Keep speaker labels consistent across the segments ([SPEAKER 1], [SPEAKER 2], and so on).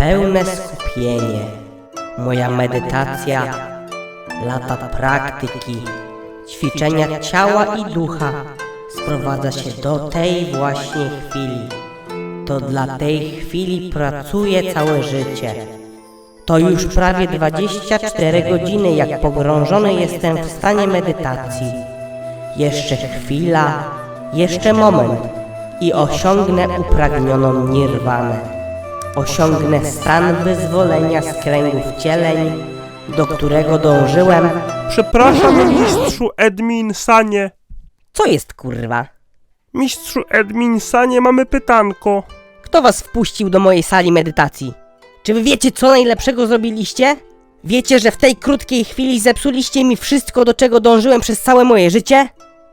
[SPEAKER 1] pełne skupienie, moja medytacja, lata praktyki, ćwiczenia ciała i ducha sprowadza się do tej właśnie chwili. To dla tej chwili pracuję całe życie. To już prawie 24 godziny, jak pogrążony jestem w stanie medytacji. Jeszcze chwila, jeszcze moment i osiągnę upragnioną nirwanę. Osiągnę stan wyzwolenia z kręgów cieleń, do którego dążyłem.
[SPEAKER 2] Przepraszam, mistrzu Edminsanie.
[SPEAKER 1] Co jest, kurwa?
[SPEAKER 2] Mistrzu Edminsanie, mamy pytanko.
[SPEAKER 1] Kto was wpuścił do mojej sali medytacji? Czy wy wiecie, co najlepszego zrobiliście? Wiecie, że w tej krótkiej chwili zepsuliście mi wszystko, do czego dążyłem przez całe moje życie?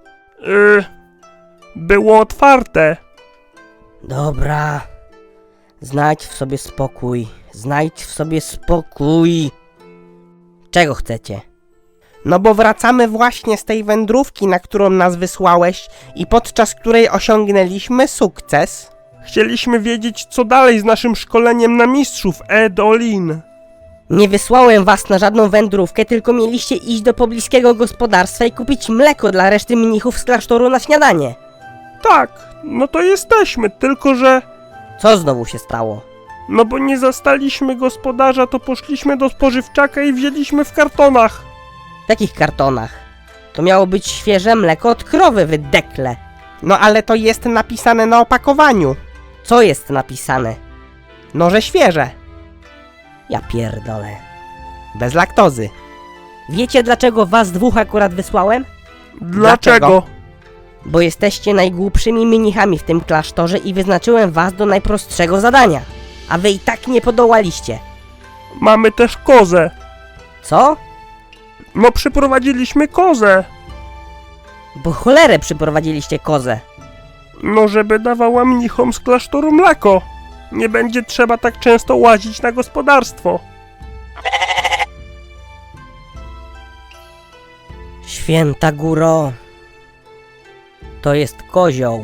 [SPEAKER 2] Było otwarte.
[SPEAKER 1] Dobra. Znajdź w sobie spokój. Znajdź w sobie spokój. Czego chcecie?
[SPEAKER 3] No bo wracamy właśnie z tej wędrówki, na którą nas wysłałeś i podczas której osiągnęliśmy sukces.
[SPEAKER 2] Chcieliśmy wiedzieć, co dalej z naszym szkoleniem na mistrzów Edolin.
[SPEAKER 1] Nie wysłałem was na żadną wędrówkę, tylko mieliście iść do pobliskiego gospodarstwa i kupić mleko dla reszty mnichów z klasztoru na śniadanie.
[SPEAKER 2] Tak, no to jesteśmy, tylko że...
[SPEAKER 1] Co znowu się stało?
[SPEAKER 2] No bo nie zastaliśmy gospodarza, to poszliśmy do spożywczaka i wzięliśmy w kartonach.
[SPEAKER 1] W jakich kartonach? To miało być świeże mleko od krowy, wy dekle.
[SPEAKER 3] No ale to jest napisane na opakowaniu.
[SPEAKER 1] Co jest napisane?
[SPEAKER 3] No że świeże.
[SPEAKER 1] Ja pierdolę.
[SPEAKER 3] Bez laktozy.
[SPEAKER 1] Wiecie, dlaczego was dwóch akurat wysłałem?
[SPEAKER 2] Dlaczego?
[SPEAKER 1] Bo jesteście najgłupszymi mnichami w tym klasztorze i wyznaczyłem was do najprostszego zadania. A wy i tak nie podołaliście.
[SPEAKER 2] Mamy też kozę.
[SPEAKER 1] Co?
[SPEAKER 2] No przyprowadziliśmy kozę.
[SPEAKER 1] Bo cholerę przyprowadziliście kozę.
[SPEAKER 2] No żeby dawała mnichom z klasztoru mleko. Nie będzie trzeba tak często łazić na gospodarstwo.
[SPEAKER 1] Święta góro. To jest kozioł.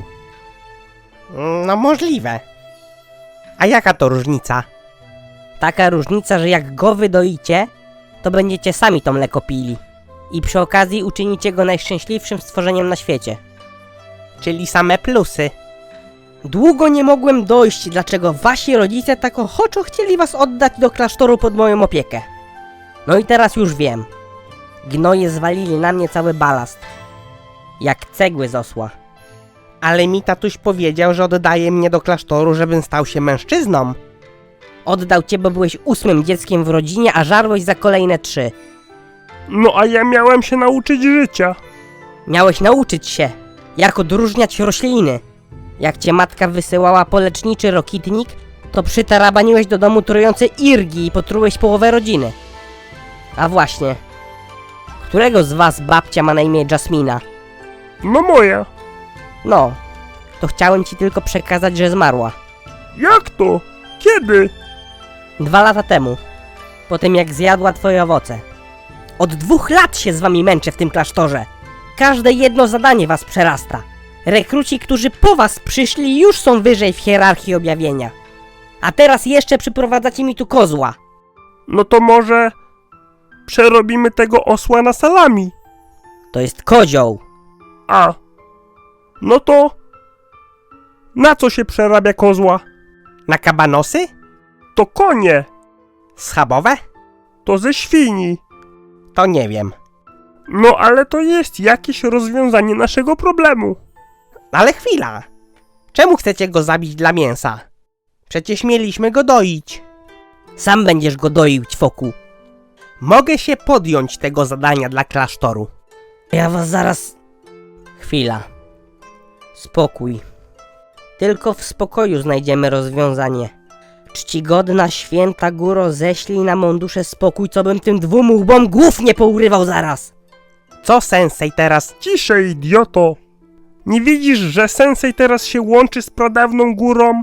[SPEAKER 3] No możliwe. A jaka to różnica?
[SPEAKER 1] Taka różnica, że jak go wydoicie, to będziecie sami to mleko pili. I przy okazji uczynicie go najszczęśliwszym stworzeniem na świecie.
[SPEAKER 3] Czyli same plusy.
[SPEAKER 1] Długo nie mogłem dojść, dlaczego wasi rodzice tak ochoczo chcieli was oddać do klasztoru pod moją opiekę. No i teraz już wiem. Gnoje zwalili na mnie cały balast. Jak cegły z osła.
[SPEAKER 3] Ale mi tatuś powiedział, że oddaje mnie do klasztoru, żebym stał się mężczyzną.
[SPEAKER 1] Oddał cię, bo byłeś 8. dzieckiem w rodzinie, a żarłeś za kolejne 3.
[SPEAKER 2] No a ja miałem się nauczyć życia.
[SPEAKER 1] Miałeś nauczyć się, jak odróżniać rośliny. Jak cię matka wysyłała po leczniczy rokitnik, to przytarabaniłeś do domu trujące irgi i potrułeś połowę rodziny. A właśnie, którego z was babcia ma na imię Jasmina?
[SPEAKER 2] No moja.
[SPEAKER 1] No, to chciałem ci tylko przekazać, że zmarła.
[SPEAKER 2] Jak to? Kiedy?
[SPEAKER 1] 2 lata temu, po tym jak zjadła twoje owoce. Od 2 lat się z wami męczę w tym klasztorze. Każde jedno zadanie was przerasta. Rekruci, którzy po was przyszli, już są wyżej w hierarchii objawienia. A teraz jeszcze przyprowadzacie mi tu kozła.
[SPEAKER 2] No to może... przerobimy tego osła na salami.
[SPEAKER 1] To jest kozioł.
[SPEAKER 2] A. No to... na co się przerabia kozła?
[SPEAKER 3] Na kabanosy?
[SPEAKER 2] To konie.
[SPEAKER 3] Schabowe?
[SPEAKER 2] To ze świni.
[SPEAKER 3] To nie wiem.
[SPEAKER 2] No ale to jest jakieś rozwiązanie naszego problemu.
[SPEAKER 3] Ale chwila. Czemu chcecie go zabić dla mięsa? Przecież mieliśmy go doić.
[SPEAKER 1] Sam będziesz go doił, ćwoku.
[SPEAKER 3] Mogę się podjąć tego zadania dla klasztoru.
[SPEAKER 1] Ja was zaraz... Chwila. Spokój. Tylko w spokoju znajdziemy rozwiązanie. Czcigodna święta góro, ześlij na mą duszę spokój, co bym tym 2 łbom głów nie pourywał zaraz.
[SPEAKER 3] Co sensei teraz?
[SPEAKER 2] Ciszej, idioto. Nie widzisz, że sensei teraz się łączy z pradawną górą?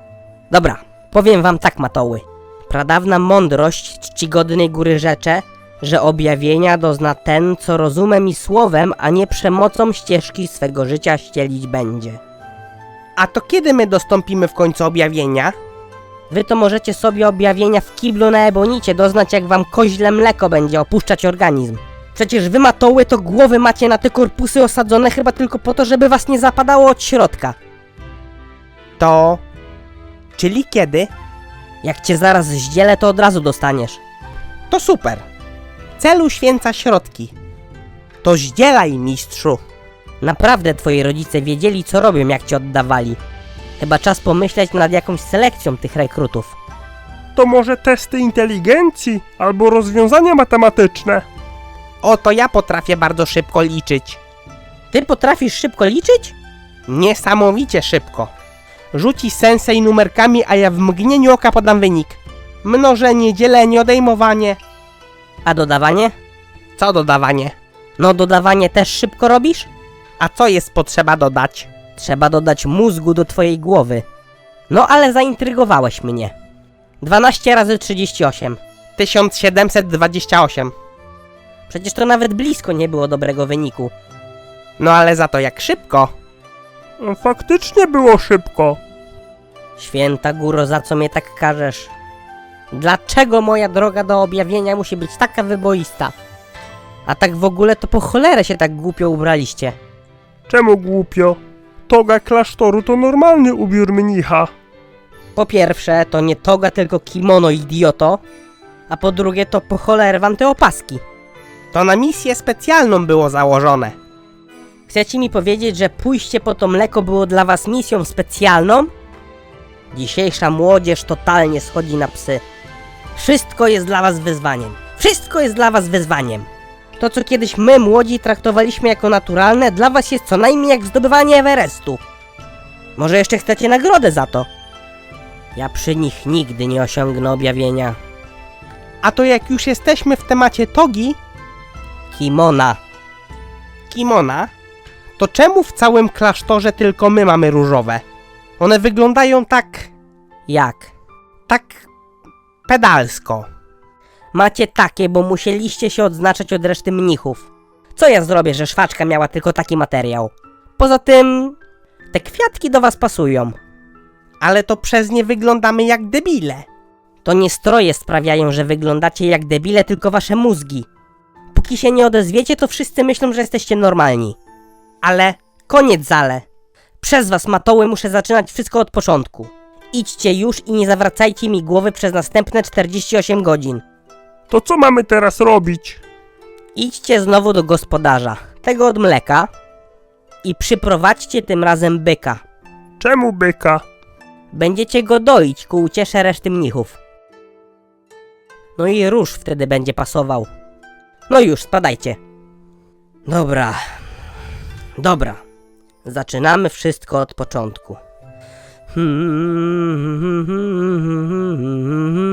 [SPEAKER 1] Dobra, powiem wam tak, matoły. Pradawna mądrość czcigodnej góry rzecze, że objawienia dozna ten, co rozumem i słowem, a nie przemocą ścieżki swego życia ścielić będzie.
[SPEAKER 3] A to kiedy my dostąpimy w końcu objawienia?
[SPEAKER 1] Wy to możecie sobie objawienia w kiblu na ebonicie doznać, jak wam koźle mleko będzie opuszczać organizm. Przecież wy matoły to głowy macie na te korpusy osadzone chyba tylko po to, żeby was nie zapadało od środka.
[SPEAKER 3] To... Czyli kiedy?
[SPEAKER 1] Jak cię zaraz zdzielę, to od razu dostaniesz.
[SPEAKER 3] To super. Cel uświęca środki. To zdzielaj, mistrzu.
[SPEAKER 1] Naprawdę twoi rodzice wiedzieli, co robią, jak cię oddawali. Chyba czas pomyśleć nad jakąś selekcją tych rekrutów.
[SPEAKER 2] To może testy inteligencji albo rozwiązania matematyczne?
[SPEAKER 3] Oto ja potrafię bardzo szybko liczyć.
[SPEAKER 1] Ty potrafisz szybko liczyć?
[SPEAKER 3] Niesamowicie szybko. Rzuci sensei numerkami, a ja w mgnieniu oka podam wynik. Mnożenie, dzielenie, odejmowanie.
[SPEAKER 1] A dodawanie?
[SPEAKER 3] Co dodawanie?
[SPEAKER 1] No dodawanie też szybko robisz?
[SPEAKER 3] A co jest potrzeba dodać?
[SPEAKER 1] Trzeba dodać mózgu do twojej głowy. No ale zaintrygowałeś mnie. 12 razy 38.
[SPEAKER 3] 1728.
[SPEAKER 1] Przecież to nawet blisko nie było dobrego wyniku.
[SPEAKER 3] No ale za to jak szybko.
[SPEAKER 2] Faktycznie było szybko.
[SPEAKER 1] Święta góro, za co mnie tak karzesz? Dlaczego moja droga do objawienia musi być taka wyboista? A tak w ogóle to po cholerę się tak głupio ubraliście.
[SPEAKER 2] Czemu głupio? Toga klasztoru to normalny ubiór mnicha.
[SPEAKER 1] Po pierwsze, to nie toga, tylko kimono, idioto. A po drugie, to po cholerę wam te opaski.
[SPEAKER 3] To na misję specjalną było założone.
[SPEAKER 1] Chcecie mi powiedzieć, że pójście po to mleko było dla was misją specjalną? Dzisiejsza młodzież totalnie schodzi na psy. Wszystko jest dla was wyzwaniem. Wszystko jest dla was wyzwaniem. To, co kiedyś my, młodzi, traktowaliśmy jako naturalne, dla was jest co najmniej jak zdobywanie Everestu. Może jeszcze chcecie nagrodę za to? Ja przy nich nigdy nie osiągnę objawienia.
[SPEAKER 3] A to jak już jesteśmy w temacie togi,
[SPEAKER 1] Kimona.
[SPEAKER 3] kimona, to czemu w całym klasztorze tylko my mamy różowe? One wyglądają tak
[SPEAKER 1] Jak?
[SPEAKER 3] pedalsko.
[SPEAKER 1] Macie takie, bo musieliście się odznaczać od reszty mnichów. Co ja zrobię, że szwaczka miała tylko taki materiał? Poza tym... te kwiatki do was pasują.
[SPEAKER 3] Ale to przez nie wyglądamy jak debile.
[SPEAKER 1] To nie stroje sprawiają, że wyglądacie jak debile, tylko wasze mózgi. Póki się nie odezwiecie, to wszyscy myślą, że jesteście normalni.
[SPEAKER 3] Ale
[SPEAKER 1] Koniec zale. Przez was, matoły, muszę zaczynać wszystko od początku. Idźcie już i nie zawracajcie mi głowy przez następne 48 godzin.
[SPEAKER 2] To co mamy teraz robić?
[SPEAKER 1] Idźcie znowu do gospodarza, tego od mleka, i przyprowadźcie tym razem byka.
[SPEAKER 2] Czemu byka?
[SPEAKER 1] Będziecie go doić ku uciesze reszty mnichów. No i róż wtedy będzie pasował. No już, spadajcie. Dobra. Zaczynamy wszystko od początku.